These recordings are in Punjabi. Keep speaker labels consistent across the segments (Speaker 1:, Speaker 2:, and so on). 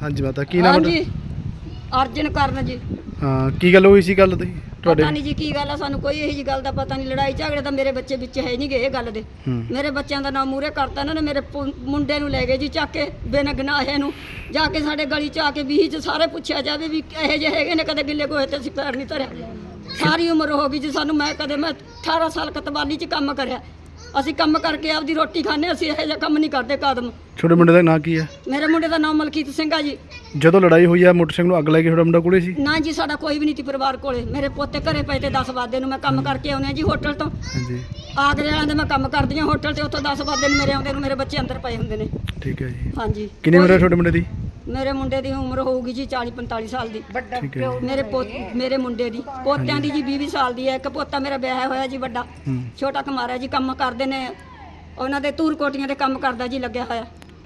Speaker 1: ਹਾਂਜੀ ਮਾਤਾ ਕੀ ਨਾਮ
Speaker 2: ਹਾਂਜੀ ਅਰਜਨ ਕਰਨ ਜੀ।
Speaker 1: ਹਾਂ ਕੀ ਗੱਲ ਹੋਈ ਸੀ ਗੱਲ ਤੇ ਤੁਹਾਡੇ?
Speaker 2: ਪਤਾ ਨਹੀਂ ਜੀ ਕੀ ਗੱਲ ਆ, ਸਾਨੂੰ ਕੋਈ ਇਹੋ ਜੀ ਗੱਲ ਦਾ ਪਤਾ ਨਹੀਂ। ਲੜਾਈ ਝਗੜੇ ਤਾਂ ਮੇਰੇ ਬੱਚੇ ਵਿੱਚ ਹੈ ਨਹੀਂ ਗੇ ਇਹ ਗੱਲ ਦੇ। ਮੇਰੇ ਬੱਚਿਆਂ ਦਾ ਨਾਮ ਮੂਹਰੇ ਕਰਤਾ ਇਹਨਾਂ ਨੇ। ਮੇਰੇ ਮੁੰਡੇ ਨੂੰ ਲੈ ਗਏ ਜੀ ਚੱਕ ਕੇ ਬਿਨ ਗਨਾਹੇ ਨੂੰ। ਜਾ ਕੇ ਸਾਡੇ ਗਲੀ ਚ ਆ ਕੇ 20 ਚ ਸਾਰੇ ਪੁੱਛਿਆ ਜਾਵੇ ਵੀ ਇਹੋ ਜਿਹੇ ਹੈਗੇ ਨੇ, ਕਦੇ ਗਿੱਲੇ ਗੋਹੇ ਤੇ ਅਸੀਂ ਪੈਰ ਨਹੀਂ ਧਰਿਆ। ਸਾਰੀ ਉਮਰ ਹੋ ਗਈ ਜੀ ਸਾਨੂੰ। ਮੈਂ 18 ਸਾਲ ਕਤਵਾਲੀ ਚ ਕੰਮ ਕਰਿਆ। ਅਸੀਂ ਕੰਮ ਕਰਕੇ ਆਪਦੀ ਰੋਟੀ ਖਾਂਦੇ। ਅਸੀਂ ਇਹੋ ਜਿਹਾ ਕੰਮ ਨਹੀਂ ਕਰਦੇ ਕਦਮ।
Speaker 1: ਛੋਟੇ ਮੁੰਡੇ ਦਾ ਨਾਂ ਕੀ ਹੈ?
Speaker 2: ਮੇਰੇ ਮੁੰਡੇ ਦਾ ਨਾਮ ਮਲਕੀਤ ਸਿੰਘ ਆ ਜੀ।
Speaker 1: ਜਦੋਂ ਲੜਾਈ ਹੋਈ ਆ ਮੋਟਰਸਾਈਕਲ ਨੂੰ ਅੱਗ ਲੱਗ ਗਈ, ਤੁਹਾਡਾ ਮੁੰਡਾ ਕੋਲੇ ਸੀ?
Speaker 2: ਨਾ ਜੀ ਸਾਡਾ ਕੋਈ ਵੀ ਨਹੀਂ ਸੀ ਪਰਿਵਾਰ ਕੋਲੇ। ਮੇਰੇ ਪੋਤੇ ਘਰੇ ਪਏ ਤੇ 10 ਵਜੇ ਨੂੰ। ਮੈਂ ਕੰਮ ਕਰਕੇ ਆਉਂਦੇ ਆ ਜੀ ਹੋਟਲ ਤੋਂ।
Speaker 1: ਹਾਂਜੀ
Speaker 2: ਆਗਰੇ ਵਾਲਿਆਂ ਦੇ ਮੈਂ ਕੰਮ ਕਰਦੀ ਆ ਹੋਟਲ ਤੇ। ਉੱਥੋਂ 10 ਵਜੇ ਨੂੰ ਮੇਰੇ ਆਉਂਦੇ ਨੂੰ ਮੇਰੇ ਬੱਚੇ ਅੰਦਰ ਪਏ ਹੁੰਦੇ ਨੇ।
Speaker 1: ਠੀਕ ਹੈ ਜੀ।
Speaker 2: ਹਾਂਜੀ
Speaker 1: ਕਿੰਨੀ ਉਮਰ ਹੈ ਛੋਟੇ ਮੁੰਡੇ ਦੀ?
Speaker 2: ਮੇਰੇ ਮੁੰਡੇ ਦੀ ਉਮਰ ਹੋਊਗੀ ਜੀ 40-45 ਸਾਲ ਦੀ।
Speaker 1: ਠੀਕ ਹੈ
Speaker 2: ਮੇਰੇ ਮੁੰਡੇ ਦੀ ਪੋਤਿਆਂ ਦੀ ਜੀ 20 ਸਾਲ ਦੀ ਹੈ। ਇੱਕ ਪੋਤਾ ਮੇਰਾ ਵਿਆਹ ਹੋਇਆ ਜੀ ਵੱਡਾ। ਛੋਟਾ ਕੁਮਾਰਾ ਜੀ ਕੰਮ ਕਰਦੇ ਨੇ ਉਹਨਾਂ ਦੇ ਧੂਰ ਕੋਟੀਆਂ ਦੇ ਕੰਮ ਕਰਦਾ ਜੀ ਲੱਗਿਆ ਹੋਇਆ।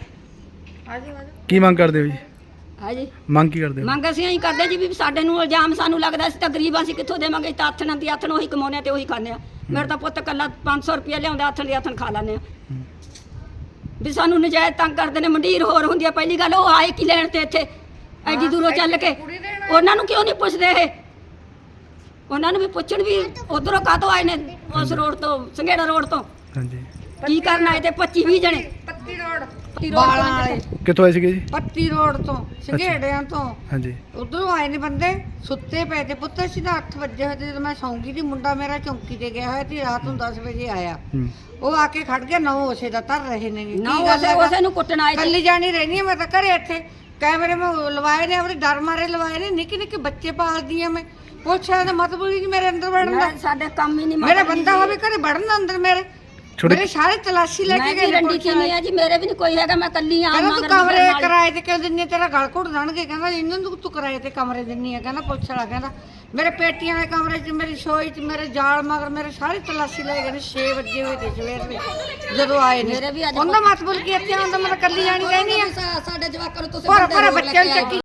Speaker 1: ਕੀ ਮੰਗ ਕਰਦੇ ਹੋ ਜੀ?
Speaker 2: ਹਾਂਜੀ
Speaker 1: ਮੰਗ ਕੀ ਕਰਦੇ ਹੋ?
Speaker 2: ਮੰਗ ਅਸੀਂ ਇਹੀ ਕਰਦੇ ਜੀ ਵੀ ਸਾਡੇ ਨੂੰ ਇਲਜ਼ਾਮ ਸਾਨੂੰ ਲੱਗਦਾ ਅਸੀਂ ਤਾਂ ਗਰੀਬ, ਅਸੀਂ ਕਿੱਥੋਂ ਦੇਵਾਂਗੇ? ਤਾਂ ਆਥਣ ਦੀ ਆਥਣ ਉਹੀ ਕਮਾਉਂਦੇ ਆ ਤੇ ਉਹੀ ਖਾਂਦੇ ਆ। ਮੇਰਾ ਤਾਂ ਪੁੱਤ ਕੱਲਾ 500 ਰੁਪਇਆ ਲਿਆਉਂਦਾ, ਆਥਣ ਦੀ ਆਥਣ ਖਾ ਲੈਂਦੇ ਆ। ਵੀ ਸਾਨੂੰ ਨਜਾਇਜ਼ ਤੰਗ ਕਰਦੇ ਨੇ। ਮੰਡੀਰ ਹੋਰ ਹੁੰਦੀ ਆ। ਪਹਿਲੀ ਗੱਲ ਉਹ ਆਏ ਕੀ ਲੈਣ ਤੇ ਇੱਥੇ ਐਡੀ ਦੂਰੋਂ ਚੱਲ ਕੇ? ਉਹਨਾਂ ਨੂੰ ਕਿਉਂ ਨਹੀਂ ਪੁੱਛਦੇ ਇਹ? ਉਹਨਾਂ ਨੂੰ ਵੀ ਪੁੱਛਣ ਵੀ ਉਧਰੋਂ ਕਾਹਤੋਂ ਆਏ ਨੇ, ਉਸ ਰੋਡ ਤੋਂ ਸੰਘੇੜਾ ਰੋਡ ਤੋਂ।
Speaker 1: ਹਾਂਜੀ
Speaker 2: ਕੀ ਕਰਨ ਆਏ ਤੇ 25-20 ਜਣੇ?
Speaker 3: ਪੱਤੀ ਰੋਡ
Speaker 2: ਬਾਲਾਂ ਵਾਲੇ
Speaker 1: ਕਿੱਥੋਂ ਆਏ ਸੀਗੇ ਜੀ?
Speaker 3: ਪੱਤੀ ਰੋਡ ਤੋਂ ਸੰਘੇੜਿਆਂ ਤੋਂ
Speaker 1: ਹਾਂਜੀ
Speaker 3: ਉਧਰੋਂ ਆਏ ਨੇ ਬੰਦੇ। ਸੁੱਤੇ ਪਏ ਤੇ ਪੁੱਤ ਅਸੀਂ ਤਾਂ 8 ਵਜੇ ਹੋਏ ਤੇ ਜਦੋਂ ਮੈਂ ਸੌਂਗੀ ਸੀ। ਮੁੰਡਾ ਮੇਰਾ ਚੌਂਕੀ ਤੇ ਗਿਆ ਹੋਇਆ ਸੀ। ਰਾਤ ਨੂੰ 10 ਵਜੇ ਆਇਆ। ਉਹ ਆ ਕੇ ਖੜ ਗਿਆ। 9 ਉਸੇ ਦਾ ਧਰ ਰਹੇ ਨੇ।
Speaker 2: ਨਾ ਉਸੇ ਨੂੰ ਕੁੱਟਣ ਆਏ
Speaker 3: ਕੱਲੀ ਜਾਣੀ ਰਹਿਣੀ ਮੈਂ ਤਾਂ ਘਰੇ। ਇੱਥੇ ਕੈਮਰੇ ਮੈਂ ਲਵਾਏ ਨੇ, ਆਪਣੇ ਡਰ ਮਾਰੇ ਲਵਾਏ ਨੇ। ਨਿੱਕੇ ਨਿੱਕੇ ਬੱਚੇ ਪਾਲਦੀ ਆ ਮੈਂ। ਪੁੱਛਿਆ ਤਾਂ ਮਤਲਬ ਹੀ ਮੇਰੇ ਅੰਦਰ ਵੜਨ ਦਾ।
Speaker 2: ਸਾਡੇ ਕੰਮ ਹੀ ਨਹੀਂ
Speaker 3: ਮੇਰਾ ਬੰਦਾ ਹੋਵੇ ਘਰੇ ਵੜਨ ਅੰਦਰ ਮੇਰੇ। ਮੇਰੇ ਸਾਰੇ ਤਲਾਸ਼ੀ ਲੈ ਕੇ ਗਏ।
Speaker 2: ਰੰਡੀ ਕੀ ਨਹੀਂ ਆ ਜੀ, ਮੇਰੇ ਵੀ ਨਹੀਂ ਕੋਈ ਹੈਗਾ। ਮੈਂ ਕੱਲੀ ਆ।
Speaker 3: ਕਹਿੰਦਾ ਤੂੰ ਕਮਰੇ ਕਿਰਾਏ ਤੇ ਕਿਉਂ ਦਿੰਨੀ? ਤੇਰਾ ਗਲ ਘੁੱਟ ਦੇਣਗੇ। ਕਹਿੰਦਾ ਇਹਨਾਂ ਨੂੰ ਤੂੰ ਕਿਰਾਏ ਤੇ ਕਮਰੇ ਦਿੰਨੀ ਆ। ਕਹਿੰਦਾ ਪੁੱਛ ਲੈ। ਕਹਿੰਦਾ ਮੇਰੇ ਪੇਟੀਆਂ ਦੇ ਕਮਰੇ 'ਚ, ਮੇਰੀ ਸ਼ੋਈ 'ਚ, ਮੇਰੇ ਜਾਲ ਮਗਰ ਮੇਰੇ ਸਾਰੇ ਤਲਾਸ਼ੀ ਲੈ ਗਏ ਨੇ। 6 ਵਜੇ ਹੋਏ ਤੇ ਸਵੇਰ ਦੇ ਜਦੋਂ ਆਏ ਨੇ। ਉਹਦਾ ਮਤਲਬ ਕੀ ਇੱਥੇ ਆਉਂਦਾ ਮੈਂ ਕੱਲੀ ਜਾਣੀ ਰਹਿਣੀ ਆ।
Speaker 2: ਸਾਡੇ ਜਵਾਕਾਂ ਨੂੰ ਤੁਸੀਂ
Speaker 3: ਪਰ ਬੱਚਿਆਂ ਨੂੰ ਚੱਕੀ